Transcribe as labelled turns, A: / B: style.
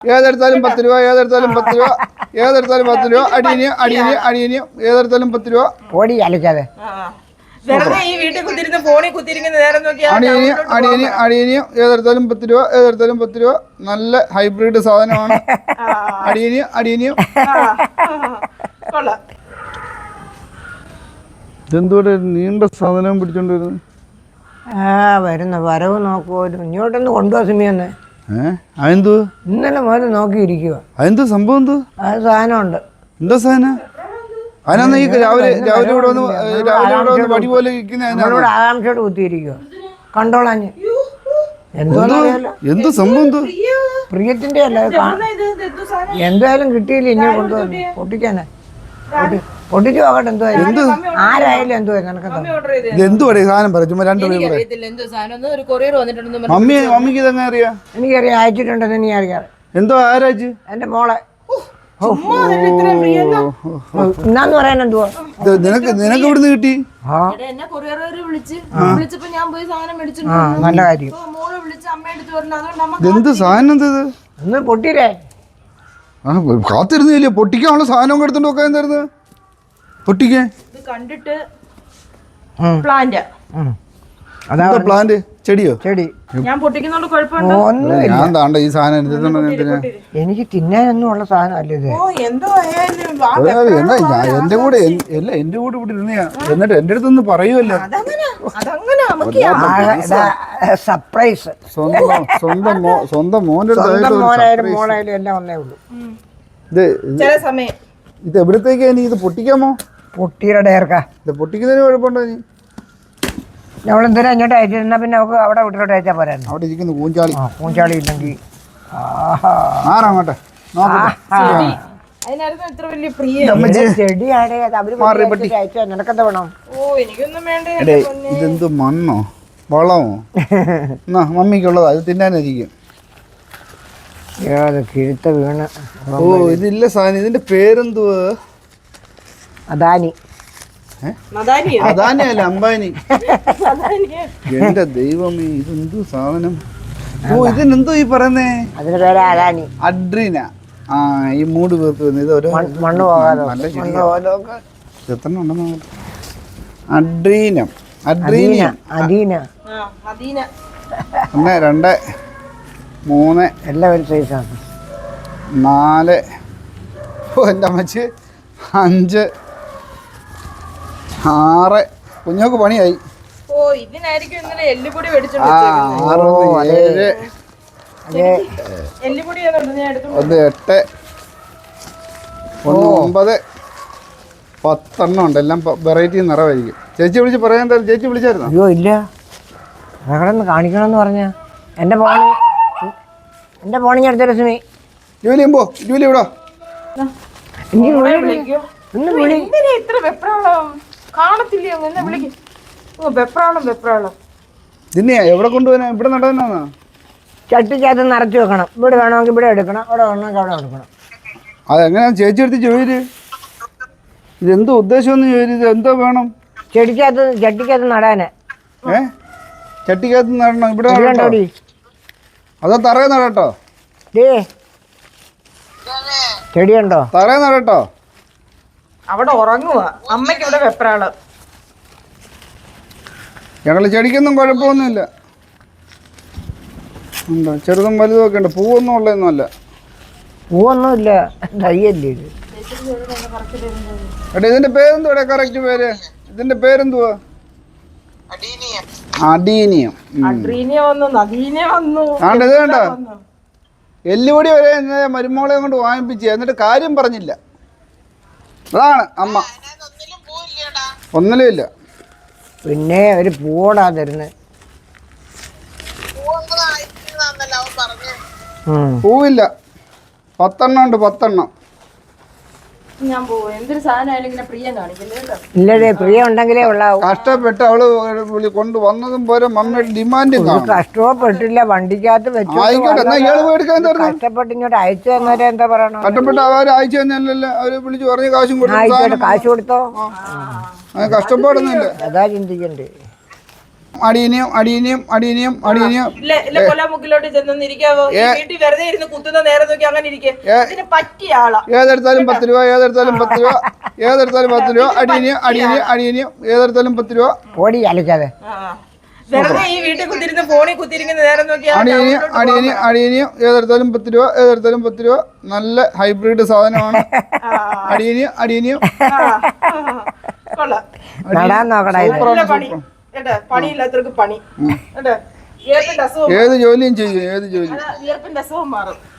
A: ഏതെടുത്താലും 10 രൂപ, ഏതെടുത്താലും 10 രൂപ, ഏതെടുത്താലും 10 രൂപ. അടിയനിയും ഏതെടുത്താലും 10 രൂപ.
B: ഓടി അലക്കാതെ
A: അടിയനിയും ഏതെടുത്താലും 10 രൂപ, ഏതെടുത്താലും 10 രൂപ. നല്ല ഹൈബ്രിഡ് സാധനമാണ്. അടിയനിയും ഇതെന്തോടെ നീണ്ട സാധനം പിടിച്ചോണ്ട് വരുന്നത്?
B: വരുന്ന വരവ് നോക്കുമോ, ഇങ്ങോട്ടൊന്ന് കൊണ്ടുപോകാൻ സമയന്നേ.
A: അതെന്തോ
B: ഇന്നലെ മുതൽ നോക്കിയിരിക്കുക.
A: അതെന്തോ സംഭവം? എന്തോ
B: അത് സാധനമുണ്ട്.
A: എന്താ സാധനം? അതിനാ ഈ രാവിലെ ഇവിടെ വന്ന് വടി പോലെ
B: ഇവിടെ ആകാംക്ഷയോട് കുത്തിയിരിക്കുക. കണ്ടോളാഞ്ഞ്
A: എന്തോ സംഭവം? എന്തോ
B: പ്രിയത്തിന്റെ അല്ല, എന്തായാലും കിട്ടിയില്ല. ഇനി കൊണ്ടുവന്നു പൊട്ടിക്കാനാ. പൊട്ടിച്ചു നോക്കട്ടെ എന്തുവായാലും. ആരായാലും എന്തുവായിരുന്നു നിനക്ക്
A: എന്തുവാടേ സാധനം പറ. ചുമ്മാ രണ്ടുപേരും മമ്മിക്ക് ഇതെങ്ങനെ അറിയാം?
B: എനിക്കറിയാം, അയച്ചിട്ടുണ്ടെന്ന് നീ അറിയാം.
A: എന്തോ ആരാച്ച്?
B: എന്റെ മോളെ. എന്നാന്ന് പറയാൻ എന്തുവാ
A: നിനക്ക് ഇവിടുന്ന് കിട്ടി?
B: നല്ല കാര്യം.
A: എന്ത് സാധനം എന്തത്?
B: ഒന്ന് പൊട്ടിരേ.
A: കാത്തിരുന്നില്ലേ പൊട്ടിക്കാനുള്ള സാധനം എടുത്തോണ്ട് നോക്കാൻ തരുന്നത്? പൊട്ടിക്കാൻ
C: കണ്ടിട്ട് പ്ലാന്റ്
A: പ്ലാന്റ് ചെടിയോ?
B: ചെടി
C: ഞാൻ പൊട്ടിക്കുന്നോണ്ട് കുഴപ്പമുണ്ടോ?
A: ഞാൻ താണ്ട ഈ സാധനം
B: എനിക്ക് തിന്നാനൊന്നും ഉള്ള സാധനം അല്ലേ ഇത്.
A: എന്റെ കൂടെ ഇവിടെ ഇരുന്നയാ. എന്നിട്ട് എന്റെ അടുത്തൊന്ന് പറയുമല്ലോ.
B: സർപ്രൈസ്.
A: സ്വന്തം മോനായാലും
B: മോളായാലും എല്ലാം ഒന്നേ ഉള്ളൂ.
A: ഇത് എവിടത്തേക്കാ? ഇനി ഇത് പൊട്ടിക്കാമോ?
B: പൊട്ടിയുടെ
A: ഇത് പൊട്ടിക്കുന്നതിന് കുഴപ്പമുണ്ടോ? ഇനി
B: ഞങ്ങളെന്തിനാ ഇങ്ങോട്ട് അയച്ചിരുന്നാ പിന്നെ നമുക്ക് അവിടെ വീട്ടിലോട്ട് അയച്ചാൽ പോരായിരുന്നു.
A: അവിടെ ഇരിക്കുന്നു പൂഞ്ചാളി.
B: പൂഞ്ചാളി ഇല്ലെങ്കിൽ
A: ആറാങ്ങോട്ടെ
B: ചെടിയാണേ അയച്ചാൽ നിനക്കെന്താ വേണം?
A: ഇതെന്ത് മണ്ണോ വളമോ? എന്നാ മമ്മിക്കുള്ളതാ, ഇത് തിന്നാനായിരിക്കും.
B: കിഴുത്ത വീണ്.
A: ഓ ഇതില്ല സാധനം. ഇതിന്റെ പേരെന്തുവാ?
B: അദാനി.
A: അദാനി അല്ല, അംബാനി. എന്റെ ദൈവമേ, ഇതെന്തു സാധനം? ഓ ഇതിനെന്തോ ഈ പറയുന്നേ?
B: അതിന്റെ പേര് അദാനി.
A: അഡ്രീന. ഈ മൂട് പേർക്ക് ഇത് ഒരു
B: മണ്ണ് പോകാതെ
A: എത്ര ഉണ്ടെന്ന്. അഡ്രീനം. 1 2 3
B: എല്ലാവരും സൈസാണ്.
A: 4 എൻ്റെ അമ്മച്ച് 5 6 കുഞ്ഞോക്ക് പണിയായി.
C: 6 7 1 8
A: 1 9 10 എണ്ണം ഉണ്ട്. എല്ലാം വെറൈറ്റി നിറവായിരിക്കും. ചേച്ചി വിളിച്ച് പറയാൻ എന്തായാലും. ചേച്ചി വിളിച്ചായിരുന്നോ?
B: അയ്യോ ഇല്ല, അവിടെ കാണിക്കണമെന്ന് പറഞ്ഞ എൻ്റെ ഫോണിങ് അടുത്ത രശ്മി.
A: ജോലി ചെയ്യുമ്പോ ജോലി എവിടാ? ഇതിനെയാ എവിടെ കൊണ്ടുപോകാനാ? ഇവിടെ നടന്നാ?
B: ചട്ടിക്കകത്ത് നിറച്ച് വെക്കണം. ഇവിടെ വേണമെങ്കിൽ ഇവിടെ എടുക്കണം, അവിടെ വേണമെങ്കിൽ അവിടെ എടുക്കണം.
A: അതെങ്ങനെയാ ചേച്ചി എടുത്ത് ചോദിര്? ഇതെന്തോ ഉദ്ദേശം ചോദിച്ചു? ഇത് എന്തോ വേണം?
B: ചട്ടിക്കകത്ത് നടാന്.
A: ചട്ടിക്കകത്ത് നടണം. ഇവിടെ അതോ തറയെ നടട്ടോ?
B: ചെടിയുണ്ടോ?
A: തറയെ നടട്ടോ?
C: അവിടെ ഉറങ്ങുക. അമ്മയ്ക്ക് ഇവിടെ വെപ്രാളം.
A: ഞങ്ങള് ചെടിക്കൊന്നും കുഴപ്പമൊന്നുമില്ല. ഉണ്ടോ ചെറുതും വലുതും ഒക്കെ ഉണ്ട്. പൂവൊന്നും ഉള്ളതൊന്നും അല്ല.
B: പൂവൊന്നുമില്ല, തയ്യല്ലേ ഇത്.
A: എടാ ഇതിന്റെ പേരെന്തുവാ? കറക്റ്റ് പേര് ഇതിന്റെ പേരെന്തുവാ? അഡീനിയം. ഇത് വേണ്ട എല്ലുപൊടി വരെ മരുമോളെ കൊണ്ട് വാങ്ങിപ്പിച്ച് എന്നിട്ട് കാര്യം പറഞ്ഞില്ല. അതാണ് അമ്മ. ഒന്നിലും ഇല്ല.
B: പിന്നെ ഒരു പൂവോടാ തരുന്നത്.
A: പൂവില്ല. 10 എണ്ണം ഉണ്ട്. 10 എണ്ണം.
C: ഞാൻ പോവും. എന്തൊരു സാധനമായാലും ഇങ്ങനെ പ്രിയം കാണിക്കില്ലേ?
B: ഇല്ലടേ, പ്രിയം ഉണ്ടെങ്കിലേ ഉള്ളാവും.
A: കഷ്ടപ്പെട്ട് അവള് കൊണ്ടുവന്നതും പോലെ മമ്മിയുടെ ഡിമാൻഡും
B: കഷ്ടപ്പെട്ടില്ല, വണ്ടിക്കകത്ത് വെച്ചു. കഷ്ടപ്പെട്ട് ഇങ്ങോട്ട് അയച്ചു തന്നവരെ എന്താ പറയണോ?
A: കഷ്ടപ്പെട്ട് അവര് അയച്ചു തന്നെയല്ലല്ലോ. അവര് വിളിച്ച് പറഞ്ഞ കാശും
B: കാശ് കൊടുത്തോ?
A: കഷ്ടപ്പാടൊന്നുമില്ല.
B: അതാ ചിന്തിക്കണ്ടേ.
A: അടിയനെയും അടിയനെയും അടിയനെയും അടിയനെയും
C: ഇല്ല ഇല്ല കൊല്ലാമുക്കിലോട്ട് ചെന്നിരിക്കാവോ വീട്ടിൽ വെറുതെ ഇരുന്ന് കുത്തുന്ന നേരം നോക്കി അങ്ങനെ ഇരിക്കെ ഇതിന് പറ്റിയ ആളാ.
A: ഏതെടുത്താലും 10 രൂപ, ഏതെടുത്താലും 10 രൂപ, ഏതെടുത്താലും 10 രൂപ, അടിയനെയും അടിയനെയും അടിയനെയും ഏതെടുത്താലും 10 രൂപ.
B: ഓടി അലക്കാതെ
C: വെറുതെ ഈ വീട്ടിൽ കുത്തിരുന്ന് ഫോണിൽ കുത്തിരിക്കുന്ന നേരം നോക്കിയാ
A: അടിയനെയും അടിയനെയും അടിയനെയും ഏതെടുത്താലും 10 രൂപ, ഏതെടുത്താലും 10 രൂപ. നല്ല ഹൈബ്രിഡ് സാധനമാണ്. അടിയനെയും അടിയനെയും
C: കൊള്ളാം.
B: നടാൻ നോക്കടാ ഇത്.
C: നല്ല പണി കേട്ടോ, പണിയില്ലാത്തവർക്ക് പണി കേട്ടോ. വിയർപ്പിന്റെ അസുഖം
A: ഏത് ജോലിയും ചെയ്യും, ഏത് ജോലിയും.
C: വിയർപ്പിന്റെ അസുഖം മാറും.